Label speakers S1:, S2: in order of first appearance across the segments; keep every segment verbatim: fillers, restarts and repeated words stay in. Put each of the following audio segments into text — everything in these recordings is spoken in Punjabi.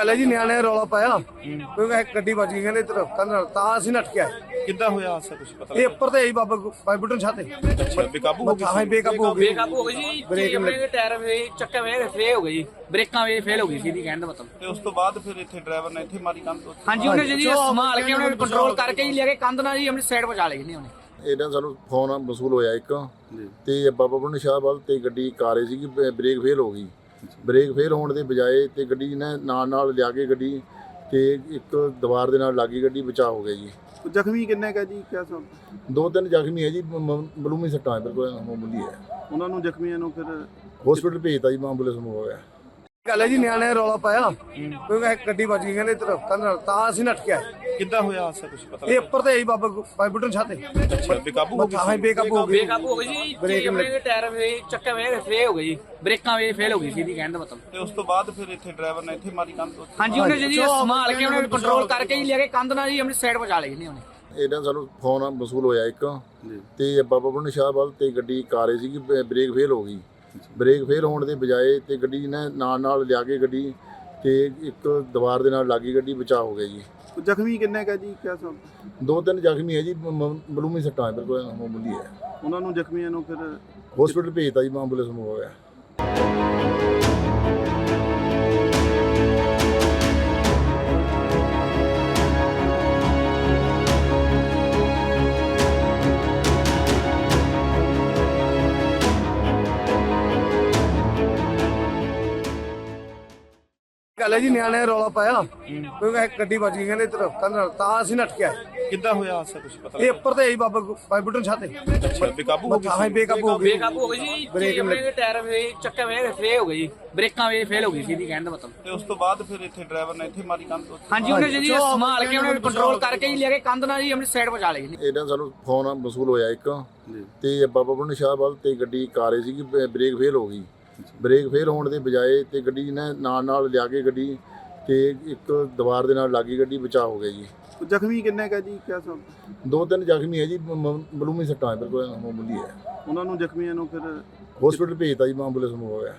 S1: ਗੱਲ ਹੈ ਜੀ, ਨਿਆਣੇ ਰੌਲਾ ਪਾਇਆ ਕਿਉਂਕਿ ਇੱਕ ਗੱਡੀ ਵੱਜ ਗਈ ਕਹਿੰਦੇ ਇੱਧਰ ਕੰਧ ਨਾਲ, ਤਾਂ ਅਸੀਂ ਨੱਠ ਕੇ ਆਏ।
S2: ਕਿੱਦਾਂ ਹੋਇਆ ਹਾਦਸਾ ਕੁਝ ਪਤਾ
S1: ਇਹ ਉੱਪਰ ਤੇ ਆਈ ਬਾਬਾ ਬਾਈ ਬੁੱਟਨ ਛਾਤੇ
S2: ਅੱਛਾ ਬੇਕਾਬੂ ਹੋ ਗਈ
S1: ਹਾਂ ਬੇਕਾਬੂ ਹੋ ਗਈ
S3: ਬੇਕਾਬੂ ਹੋ ਗਈ ਜੀ।
S1: ਬ੍ਰੇਕ
S3: ਆਪਣੇ ਟਾਇਰ ਵੇ ਚੱਕੇ ਵੇ ਫੇਲ ਹੋ ਗਈ ਜੀ, ਬ੍ਰੇਕਾਂ ਵੇ ਫੇਲ ਹੋ ਗਈ ਸੀ ਦੀ ਕਹਿਣ ਦਾ ਮਤਲਬ।
S2: ਤੇ ਉਸ ਤੋਂ ਬਾਅਦ ਫਿਰ ਇੱਥੇ ਡਰਾਈਵਰ ਨੇ ਇੱਥੇ ਮਾਰੀ ਕੰਧ ਤੋਂ
S3: ਹਾਂਜੀ ਉਹਨੇ ਜੀ ਸੰਭਾਲ ਕੇ ਉਹਨੇ ਕੰਟਰੋਲ ਕਰਕੇ ਹੀ ਲੈ ਕੇ ਕੰਧ ਨਾਲ ਜੀ ਆਪਣੀ ਸਾਈਡ ਪਹੁੰਚਾ ਲਈ ਜੀ ਉਹਨੇ।
S4: ਇਹਨਾਂ ਸਾਨੂੰ ਫੋਨ ਵਸੂਲ ਹੋਇਆ ਇੱਕ ਤੇ ਬਾਬਾ ਬੁੱਢਨ ਸ਼ਾਹ ਵੱਲ ਤੇ ਗੱਡੀ ਕਾਰੇ ਸੀਗੀ, ਬ੍ਰੇਕ ਫੇਲ ਹੋ ਗਈ। ਬ੍ਰੇਕ ਫੇਲ ਹੋਣ ਦੇ ਬਜਾਏ ਤੇ ਗੱਡੀ ਨੇ ਨਾਲ ਨਾਲ ਲਿਆ ਕੇ ਗੱਡੀ ਤੇ ਇੱਕ ਦੀਵਾਰ ਦੇ ਨਾਲ ਲੱਗੀ, ਗੱਡੀ ਬਚਾਅ ਹੋ ਗਿਆ ਜੀ।
S2: ਜ਼ਖਮੀ ਕਿੰਨੇ ਕਾ ਜੀ ਕਿਆ ਸਭ
S4: ਦੋ ਤਿੰਨ ਜ਼ਖਮੀ ਹੈ ਜੀ, ਮਲੂਮੀ ਸੱਟਾਂ ਬਿਲਕੁਲ ਮਾਮੂਲੀ ਹੈ।
S2: ਉਹਨਾਂ ਨੂੰ ਜ਼ਖਮੀਆਂ ਨੂੰ ਫਿਰ
S4: ਹਸਪੀਟਲ ਭੇਜਤਾ ਜੀ, ਐਂਬੂਲੈਂਸ ਨੂੰ ਹੋਇਆ।
S1: ਗੱਲ ਹੈ ਜੀ, ਨਿਆਣੇ ਰੌਲਾ ਪਾਇਆ ਕਿਉਂਕਿ ਇੱਕ ਗੱਡੀ ਵੱਜ ਗਈ ਕਹਿੰਦੇ ਇੱਧਰ ਕੰਧ ਨਾਲ, ਤਾਂ ਅਸੀਂ ਨੱਠ ਕੇ ਆਏ।
S2: ਕਿੱਦਾਂ ਹੋਇਆ ਹਾਦਸਾ ਕੁਝ ਪਤਾ
S1: ਇਹ ਉੱਪਰ ਤੇ ਆਈ ਬਾਬਾ ਬਾਈ ਬੁੱਟਨ ਛਾਤੇ
S2: ਅੱਛਾ ਬੇਕਾਬੂ ਹੋ ਗਈ
S1: ਹਾਂ ਬੇਕਾਬੂ ਹੋ ਗਈ
S3: ਬੇਕਾਬੂ ਹੋ ਗਈ ਜੀ। ਬ੍ਰੇਕ ਆਪਣੇ ਟਾਇਰ ਵੇ ਚੱਕੇ ਵੇ ਫੇਲ ਹੋ ਗਈ ਜੀ, ਬ੍ਰੇਕਾਂ ਵੇ ਫੇਲ ਹੋ ਗਈ ਸੀ ਦੀ ਕਹਿਣ ਦਾ ਮਤਲਬ।
S2: ਤੇ ਉਸ ਤੋਂ ਬਾਅਦ ਫਿਰ ਇੱਥੇ ਡਰਾਈਵਰ ਨੇ ਇੱਥੇ ਮਾਰੀ ਕੰਧ ਤੋਂ
S3: ਹਾਂਜੀ ਉਹਨੇ ਜੀ ਸੰਭਾਲ ਕੇ ਉਹਨੇ ਕੰਟਰੋਲ ਕਰਕੇ ਹੀ ਲੈ ਕੇ ਕੰਧ ਨਾਲ ਜੀ ਆਪਣੀ ਸਾਈਡ ਪਹੁੰਚਾ ਲਈ ਜੀ ਉਹਨੇ।
S4: ਇਹਨਾਂ ਸਾਨੂੰ ਫੋਨ ਵਸੂਲ ਹੋਇਆ ਇੱਕ ਤੇ ਬਾਬਾ ਬੁੱਢਨ ਸ਼ਾਹ ਵੱਲ ਤੇ ਗੱਡੀ ਕਾਰੇ ਸੀਗੀ, ਬ੍ਰੇਕ ਫੇਲ ਹੋ ਗਈ। ਬ੍ਰੇਕ ਫੇਲ ਹੋਣ ਦੇ ਬਜਾਏ ਤੇ ਗੱਡੀ ਨੇ ਨਾਲ ਨਾਲ ਲਿਆ ਕੇ ਗੱਡੀ ਤੇ ਇੱਕ ਦੀਵਾਰ ਦੇ ਨਾਲ ਲੱਗੀ, ਗੱਡੀ ਬਚਾਅ ਹੋ ਗਿਆ ਜੀ।
S2: ਜ਼ਖਮੀ ਕਿੰਨੇ ਕਾ ਜੀ ਕਿਆ ਸਭ
S4: ਦੋ ਤਿੰਨ ਜ਼ਖਮੀ ਹੈ ਜੀ, ਮਲੂਮੀ ਸੱਟਾਂ ਬਿਲਕੁਲ ਮਾਮੂਲੀ ਹੈ।
S2: ਉਹਨਾਂ ਨੂੰ ਜ਼ਖਮੀਆਂ ਨੂੰ ਫਿਰ
S4: ਹਸਪੀਟਲ ਭੇਜਤਾ ਜੀ, ਐਂਬੂਲੈਂਸ ਨੂੰ ਹੋਇਆ।
S1: ਗੱਲ ਹੈ ਜੀ, ਨਿਆਣੇ ਰੌਲਾ ਪਾਇਆ ਕਿਉਂਕਿ ਇੱਕ ਗੱਡੀ ਵੱਜ ਗਈ ਕਹਿੰਦੇ ਇੱਧਰ ਕੰਧ ਨਾਲ, ਤਾਂ ਅਸੀਂ ਨੱਠ ਕੇ ਆਏ।
S2: ਕਿੱਦਾਂ ਹੋਇਆ ਹਾਦਸਾ ਕੁਝ ਪਤਾ
S1: ਇਹ ਉੱਪਰ ਤੇ ਆਈ ਬਾਬਾ ਬਾਈ ਬੁੱਟਨ ਛਾਤੇ
S2: ਅੱਛਾ ਬੇਕਾਬੂ ਹੋ ਗਈ
S1: ਹਾਂ ਬੇਕਾਬੂ ਹੋ ਗਈ
S3: ਬੇਕਾਬੂ ਹੋ ਗਈ ਜੀ। ਬ੍ਰੇਕ ਆਪਣੇ ਟਾਇਰ ਵੇ ਚੱਕੇ ਵੇ ਫੇਲ ਹੋ ਗਈ ਜੀ, ਬ੍ਰੇਕਾਂ ਵੇ ਫੇਲ ਹੋ ਗਈ ਸੀ ਦੀ ਕਹਿਣ ਦਾ ਮਤਲਬ।
S2: ਤੇ ਉਸ ਤੋਂ ਬਾਅਦ ਫਿਰ ਇੱਥੇ ਡਰਾਈਵਰ ਨੇ ਇੱਥੇ ਮਾਰੀ ਕੰਧ ਤੋਂ
S3: ਹਾਂਜੀ ਉਹਨੇ ਜੀ ਸੰਭਾਲ ਕੇ ਉਹਨੇ ਕੰਟਰੋਲ ਕਰਕੇ ਹੀ ਲੈ ਕੇ ਕੰਧ ਨਾਲ ਜੀ ਆਪਣੀ ਸਾਈਡ ਪਹੁੰਚਾ ਲਈ ਜੀ।
S4: ਇਹਨਾਂ ਸਾਨੂੰ ਫੋਨ ਵਸੂਲ ਹੋਇਆ ਇੱਕ ਤੇ ਬਾਬਾ ਬੁੱਢਨ ਸ਼ਾਹ ਵੱਲ ਤੇ ਗੱਡੀ ਕਾਰੇ ਸੀਗੀ, ਬ੍ਰੇਕ ਫੇਲ ਹੋ ਗਈ। ਬ੍ਰੇਕ ਫੇਲ ਹੋਣ ਦੇ ਬਜਾਏ ਤੇ ਗੱਡੀ ਨੇ ਨਾਲ ਨਾਲ ਲਿਆ ਕੇ ਗੱਡੀ ਤੇ ਇੱਕ ਦੀਵਾਰ ਦੇ ਨਾਲ ਲੱਗੀ, ਗੱਡੀ ਬਚਾਅ ਹੋ ਗਿਆ ਜੀ।
S2: ਜ਼ਖਮੀ ਕਿੰਨੇ ਕਾ ਜੀ ਕਿਆ ਸਭ
S4: ਦੋ ਤਿੰਨ ਜ਼ਖਮੀ ਹੈ ਜੀ, ਮਲੂਮੀ ਸੱਟਾਂ ਬਿਲਕੁਲ ਮਾਮੂਲੀ ਹੈ।
S2: ਉਹਨਾਂ ਨੂੰ ਜ਼ਖਮੀਆਂ ਨੂੰ ਫਿਰ
S4: ਹਸਪੀਟਲ ਭੇਜਤਾ ਜੀ, ਐਂਬੂਲੈਂਸ ਨੂੰ ਹੋਇਆ।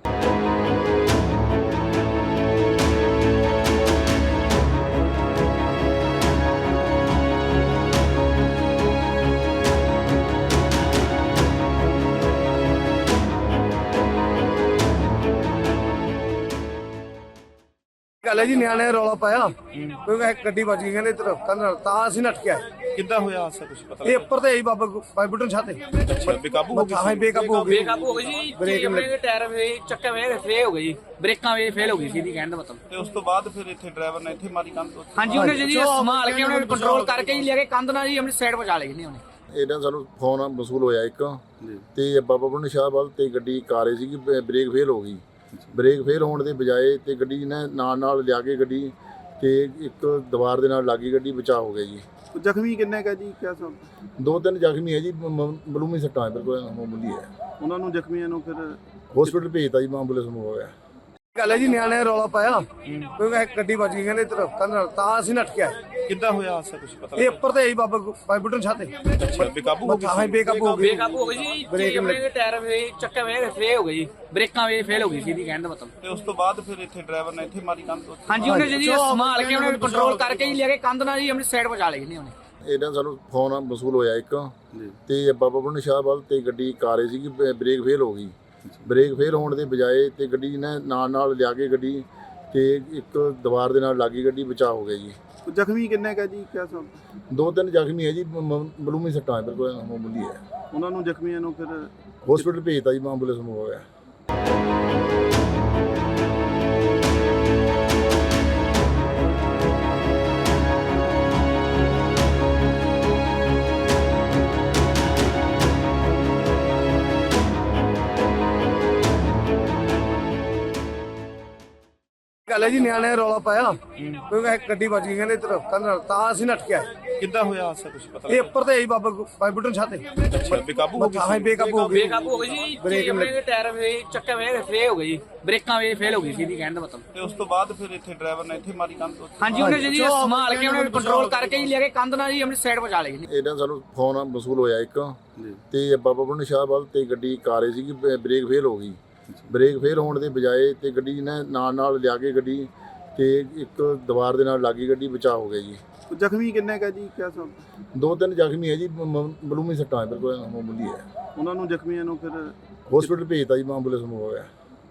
S1: ਗੱਲ ਹੈ ਜੀ, ਨਿਆਣੇ ਰੌਲਾ ਪਾਇਆ ਕਿਉਂਕਿ ਇੱਕ ਗੱਡੀ ਵੱਜ ਗਈ ਕਹਿੰਦੇ ਇੱਧਰ ਕੰਧ ਨਾਲ, ਤਾਂ ਅਸੀਂ ਨੱਠ ਕੇ ਆਏ।
S2: ਕਿੱਦਾਂ ਹੋਇਆ ਹਾਦਸਾ ਕੁਝ ਪਤਾ
S1: ਇਹ ਉੱਪਰ ਤੇ ਆਈ ਬਾਬਾ ਬਾਈ ਬੁੱਟਨ ਛਾਤੇ
S2: ਅੱਛਾ ਬੇਕਾਬੂ ਹੋ ਗਈ
S1: ਹਾਂ ਬੇਕਾਬੂ ਹੋ ਗਈ
S3: ਬੇਕਾਬੂ ਹੋ ਗਈ ਜੀ। ਬ੍ਰੇਕ ਆਪਣੇ ਟਾਇਰ ਵੇ ਚੱਕੇ ਵੇ ਫੇਲ ਹੋ ਗਈ ਜੀ, ਬ੍ਰੇਕਾਂ ਵੇ ਫੇਲ ਹੋ ਗਈ ਸੀ ਦੀ ਕਹਿਣ ਦਾ ਮਤਲਬ।
S2: ਤੇ ਉਸ ਤੋਂ ਬਾਅਦ ਫਿਰ ਇੱਥੇ ਡਰਾਈਵਰ ਨੇ ਇੱਥੇ ਮਾਰੀ ਕੰਧ ਤੋਂ
S3: ਹਾਂਜੀ ਉਹਨੇ ਜੀ ਸੰਭਾਲ ਕੇ ਉਹਨੇ ਕੰਟਰੋਲ ਕਰਕੇ ਹੀ ਲੈ ਕੇ ਕੰਧ ਨਾਲ ਜੀ ਆਪਣੀ ਸਾਈਡ ਪਹੁੰਚਾ ਲਈ ਜੀ ਉਹਨੇ।
S4: ਇਹਨਾਂ ਸਾਨੂੰ ਫੋਨ ਵਸੂਲ ਹੋਇਆ ਇੱਕ ਤੇ ਬਾਬਾ ਬੁੱਢਨ ਸ਼ਾਹ ਵੱਲ ਤੇ ਗੱਡੀ ਕਾਰੇ ਸੀਗੀ, ਬ੍ਰੇਕ ਫੇਲ ਹੋ ਗਈ। ਬ੍ਰੇਕ ਫੇਲ ਹੋਣ ਦੇ ਬਜਾਏ ਤੇ ਗੱਡੀ ਨੇ ਨਾਲ ਨਾਲ ਲਿਆ ਕੇ ਗੱਡੀ ਤੇ ਇੱਕ ਦੀਵਾਰ ਦੇ ਨਾਲ ਲੱਗੀ, ਗੱਡੀ ਬਚਾਅ ਹੋ ਗਿਆ ਜੀ।
S2: ਜ਼ਖਮੀ ਕਿੰਨੇ ਕਾ ਜੀ ਕਿਆ ਸਭ
S4: ਦੋ ਤਿੰਨ ਜ਼ਖਮੀ ਹੈ ਜੀ, ਮਲੂਮੀ ਸੱਟਾਂ ਬਿਲਕੁਲ ਮਾਮੂਲੀ ਹੈ।
S2: ਉਹਨਾਂ ਨੂੰ ਜ਼ਖਮੀਆਂ ਨੂੰ ਫਿਰ
S4: ਹਸਪੀਟਲ ਭੇਜਤਾ ਜੀ, ਐਂਬੂਲੈਂਸ ਨੂੰ ਹੋਇਆ।
S1: ਗੱਲ ਹੈ ਜੀ, ਨਿਆਣੇ ਰੌਲਾ ਪਾਇਆ ਕਿਉਂਕਿ ਇੱਕ ਗੱਡੀ ਵੱਜ ਗਈ ਕਹਿੰਦੇ ਇੱਧਰ ਕੰਧ ਨਾਲ, ਤਾਂ ਅਸੀਂ ਨੱਠ ਕੇ ਆਏ।
S2: ਕਿੱਦਾਂ ਹੋਇਆ ਹਾਦਸਾ ਕੁਝ ਪਤਾ
S1: ਇਹ ਉੱਪਰ ਤੇ ਆਈ ਬਾਬਾ ਬਾਈ ਬੁੱਟਨ ਛਾਤੇ
S2: ਅੱਛਾ ਬੇਕਾਬੂ ਹੋ ਗਈ
S1: ਹਾਂ ਬੇਕਾਬੂ ਹੋ ਗਈ
S3: ਬੇਕਾਬੂ ਹੋ ਗਈ ਜੀ। ਬ੍ਰੇਕ ਆਪਣੇ ਟਾਇਰ ਵੇ ਚੱਕੇ ਵੇ ਫੇਲ ਹੋ ਗਈ ਜੀ, ਬ੍ਰੇਕਾਂ ਵੇ ਫੇਲ ਹੋ ਗਈ ਸੀ ਦੀ ਕਹਿਣ ਦਾ ਮਤਲਬ।
S2: ਤੇ ਉਸ ਤੋਂ ਬਾਅਦ ਫਿਰ ਇੱਥੇ ਡਰਾਈਵਰ ਨੇ ਇੱਥੇ ਮਾਰੀ ਕੰਧ ਤੋਂ
S3: ਹਾਂਜੀ ਉਹਨੇ ਜੀ ਸੰਭਾਲ ਕੇ ਉਹਨੇ ਕੰਟਰੋਲ ਕਰਕੇ ਹੀ ਲੈ ਕੇ ਕੰਧ ਨਾਲ ਜੀ ਆਪਣੀ ਸਾਈਡ ਪਹੁੰਚਾ ਲਈ ਜੀ ਉਹਨੇ।
S4: ਇਹਨਾਂ ਸਾਨੂੰ ਫੋਨ ਵਸੂਲ ਹੋਇਆ ਇੱਕ ਤੇ ਬਾਬਾ ਬੁੱਢਨ ਸ਼ਾਹ ਵੱਲ ਤੇ ਗੱਡੀ ਕਾਰੇ ਸੀਗੀ, ਬ੍ਰੇਕ ਫੇਲ ਹੋ ਗਈ। ਬ੍ਰੇਕ ਫੇਲ ਹੋਣ ਦੇ ਬਜਾਏ ਤੇ ਗੱਡੀ ਨੇ ਨਾਲ ਨਾਲ ਲਿਆ ਕੇ ਗੱਡੀ ਤੇ ਇੱਕ ਦੀਵਾਰ ਦੇ ਨਾਲ ਲੱਗੀ, ਗੱਡੀ ਬਚਾਅ ਹੋ ਗਿਆ ਜੀ।
S2: ਜ਼ਖਮੀ ਕਿੰਨੇ ਕਾ ਜੀ ਕਿਆ ਸਭ
S4: ਦੋ ਤਿੰਨ ਜ਼ਖਮੀ ਹੈ ਜੀ, ਮਲੂਮੀ ਸੱਟਾਂ ਬਿਲਕੁਲ ਮਾਮੂਲੀ ਹੈ।
S2: ਉਹਨਾਂ ਨੂੰ ਜ਼ਖਮੀਆਂ ਨੂੰ ਫਿਰ
S4: ਹਸਪੀਟਲ ਭੇਜਤਾ ਜੀ, ਐਂਬੂਲੈਂਸ ਨੂੰ ਹੋਇਆ।
S1: ਗੱਲ ਹੈ ਜੀ, ਨਿਆਣੇ ਰੌਲਾ ਪਾਇਆ ਕਿਉਂਕਿ ਇੱਕ ਗੱਡੀ ਵੱਜ ਗਈ ਕਹਿੰਦੇ ਇੱਧਰ ਕੰਧ ਨਾਲ, ਤਾਂ ਅਸੀਂ ਨੱਠ ਕੇ ਆਏ।
S2: ਕਿੱਦਾਂ ਹੋਇਆ ਹਾਦਸਾ ਕੁਝ ਪਤਾ
S1: ਇਹ ਉੱਪਰ ਤੇ ਆਈ ਬਾਬਾ ਬਾਈ ਬੁੱਟਨ ਛਾਤੇ
S2: ਅੱਛਾ ਬੇਕਾਬੂ ਹੋ ਗਈ
S1: ਹਾਂ ਬੇਕਾਬੂ ਹੋ ਗਈ
S3: ਬੇਕਾਬੂ ਹੋ ਗਈ ਜੀ। ਬ੍ਰੇਕ ਆਪਣੇ ਟਾਇਰ ਵੇ ਚੱਕੇ ਵੇ ਫੇਲ ਹੋ ਗਈ ਜੀ, ਬ੍ਰੇਕਾਂ ਵੇ ਫੇਲ ਹੋ ਗਈ ਸੀ ਦੀ ਕਹਿਣ ਦਾ ਮਤਲਬ।
S2: ਤੇ ਉਸ ਤੋਂ ਬਾਅਦ ਫਿਰ ਇੱਥੇ ਡਰਾਈਵਰ ਨੇ ਇੱਥੇ ਮਾਰੀ ਕੰਧ ਤੋਂ
S3: ਹਾਂਜੀ ਉਹਨੇ ਜੀ ਸੰਭਾਲ ਕੇ ਉਹਨੇ ਕੰਟਰੋਲ ਕਰਕੇ ਹੀ ਲੈ ਕੇ ਕੰਧ ਨਾਲ ਜੀ ਆਪਣੀ ਸਾਈਡ ਪਹੁੰਚਾ ਲਈ ਜੀ।
S4: ਇਹਨਾਂ ਸਾਨੂੰ ਫੋਨ ਵਸੂਲ ਹੋਇਆ ਇੱਕ ਤੇ ਬਾਬਾ ਬੁੱਢਨ ਸ਼ਾਹ ਵੱਲ ਤੇ ਗੱਡੀ ਕਾਰੇ ਸੀਗੀ, ਬ੍ਰੇਕ ਫੇਲ ਹੋ ਗਈ। ਬ੍ਰੇਕ ਫੇਲ ਹੋਣ ਦੇ ਬਜਾਏ ਤੇ ਗੱਡੀ ਨੇ ਨਾਲ ਨਾਲ ਲਿਆ ਕੇ ਗੱਡੀ ਤੇ ਇੱਕ ਦੀਵਾਰ ਦੇ ਨਾਲ ਲੱਗੀ ਗੱਡੀ, ਬਚਾਅ ਹੋ ਗਿਆ ਜੀ।
S2: ਜ਼ਖਮੀ ਕਿੰਨੇ ਕਾ ਜੀ ਕਿਆ ਸਭ?
S4: ਦੋ ਤਿੰਨ ਜ਼ਖਮੀ ਹੈ ਜੀ, ਮਾਮੂਲੀ ਸੱਟਾਂ ਹੈ, ਬਿਲਕੁਲ ਮਾਮੂਲੀ ਹੈ।
S2: ਉਹਨਾਂ ਨੂੰ ਜ਼ਖਮੀਆਂ ਨੂੰ ਫਿਰ
S4: ਹਸਪੀਟਲ ਭੇਜਤਾ ਜੀ, ਐਂਬੂਲੈਂਸ ਨੂੰ ਹੋ ਗਿਆ।